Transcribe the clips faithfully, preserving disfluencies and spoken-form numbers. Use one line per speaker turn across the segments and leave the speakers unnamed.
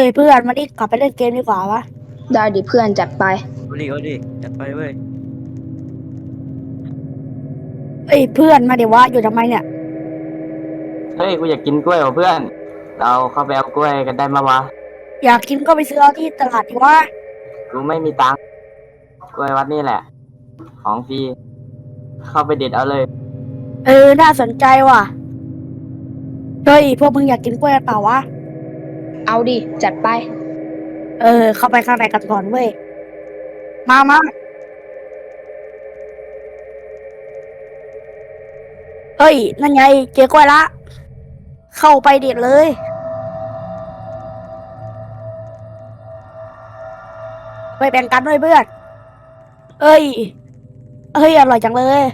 ยเพื่อนมาดิกลับไปเล่นเกมดีกว่าวะ
ได้ดิเพื่อนจัดไป
เอาดิเอาดิจัดไปเว้ย
เอ้ยเพื่อนมาเดี๋ยววะอยู่ทำไมเนี่ย
เฮ้ยกูอยากกินกล้วยว่ะเพื่อนเราเข้าไปเอากล้วยกันได้มาวะ
อยากกินก็ไปซื้อเอาที่ตลาดดีวะ
กูไม่มีตังค์กล้วยวัดนี่แหละของฟรีเข้าไปเด็ดเอาเลย
เออน่าสนใจว่ะเฮ้ยพวกมึงอยากกินกล้วยกันเปล่าวะ
เอาดิจัดไป
เออเข้าไปข้างในกันก่อนเว้ยมามาเฮ้ยนั่นไงเจอกล้วยละเข้าไปเด็ดเลยไปแบ่งกันด้วยเพื่อนเอ้ยเอ้ยอร่อยจังเลย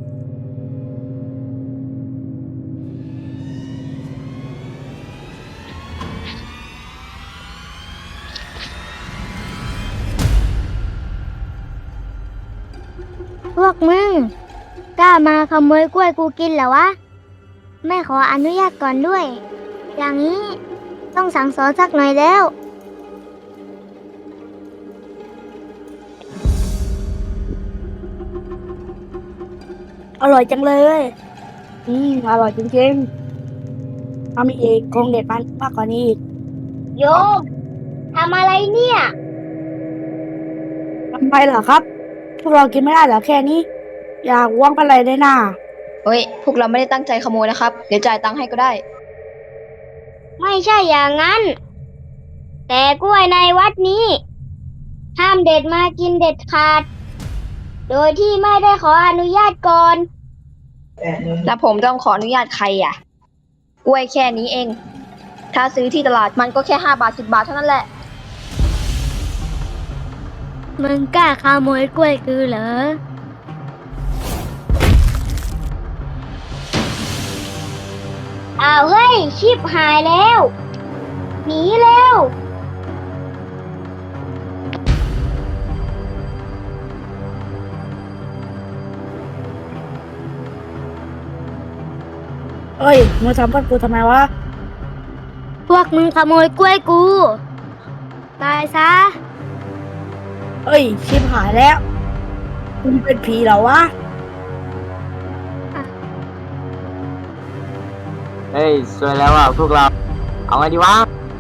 พวกมึงกล้ามาขโมยกล้วยกูกินเหรอวะไม่ขออนุญาตก่อนด้วยอย่างนี้ต้องสั่งสอนสักหน่อยแล้ว
อร่อยจังเลยอืมอร่อยจริงๆถ้ามีอีกคงเด็ดมันมากกว่านี้อีก
โยมทำอะไรเนี่ย
ทำไมเหรอครับพวกเรากินไม่ได้เหรอแค่นี้อยากว่างไปเลยได้น่า
เฮ้ยพวกเราไม่ได้ตั้งใจขโมยนะครับเดี๋ยวจ่ายตังค์ให้ก็ได้
ไม่ใช่อย่างนั้นแต่กล้วยในวัดนี้ห้ามเด็ดมากินเด็ดขาดโดยที่ไม่ได้ขออนุญาตก่อน
แล้วผมต้องขออนุญาตใครอ่ะกล้วยแค่นี้เองถ้าซื้อที่ตลาดมันก็แค่ห้าบาทสิบบาทเท่านั้นแหละ
มึงกล้าขโมยกล้วยกูเหรออ้าวเฮ้ยชิบหายแล้วหนีเร็ว
เอ้ยมึงทำกับกูทำไมวะ
พวกมึงขโมยกล้วยกูตายซะ
เอ้ยชิบหายแล้วมึงเป็นผีเหรอวะ
เฮ้ยสวยแล้วอ่ะพวกเราเอาไงดีวะ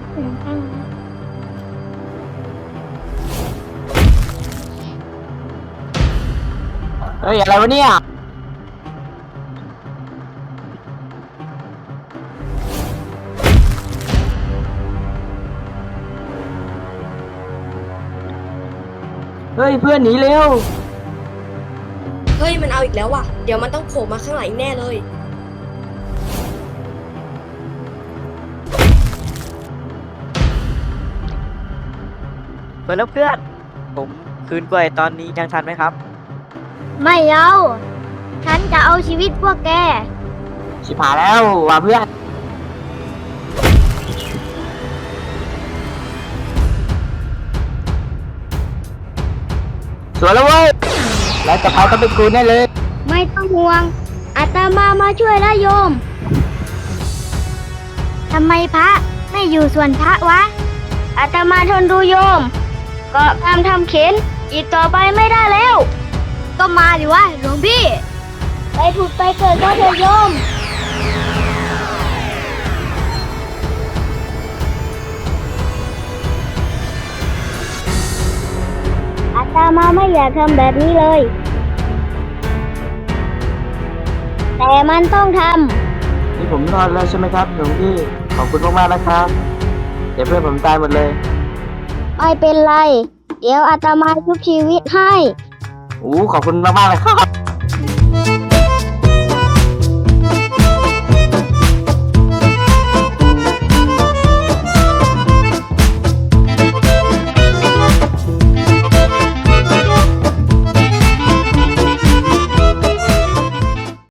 เฮ้ยอะไรวะเนี่ยเฮ้ยเพื่อนหนีเร็ว
เฮ้ยมันเอาอีกแล้วว่ะเดี๋ยวมันต้องโผล่มาข้างหลังอีกแน่เลย
เพื่อนแล้วเพื่อนผมคืนกล้วยตอนนี้ยังทันไหมครับ
ไม่เอาฉันจะเอาชีวิตพวกแก
ชิบหายแล้วว่ะเพื่อนสวยแล้วเว้ยแล้วจะไปต้องเป็นกูแน่เลย
ไม่ต้องห่วงอาตมามาช่วยแล้วโยมทำไมพระไม่อยู่ส่วนพระวะอาตมาทนดูโยมก็ทำทำเข็นอีกต่อไปไม่ได้แล้วก็มาดิวะหลวงพี่ไปผุดไปเกิดก็เถอะโยมอาตมาไม่อยากทำแบบนี้เลยแต่มันต้องท
ำนี่ผมรอดแล้วใช่ไหมครับหลวงพี่ขอบคุณมากๆนะครับเดี๋ยวเพื่อนผมตายหมดเลย
ไม่เป็นไรเดี๋ยวอาตมาชุบชีวิตให้
โอ้ขอบคุณมากๆเลยครับ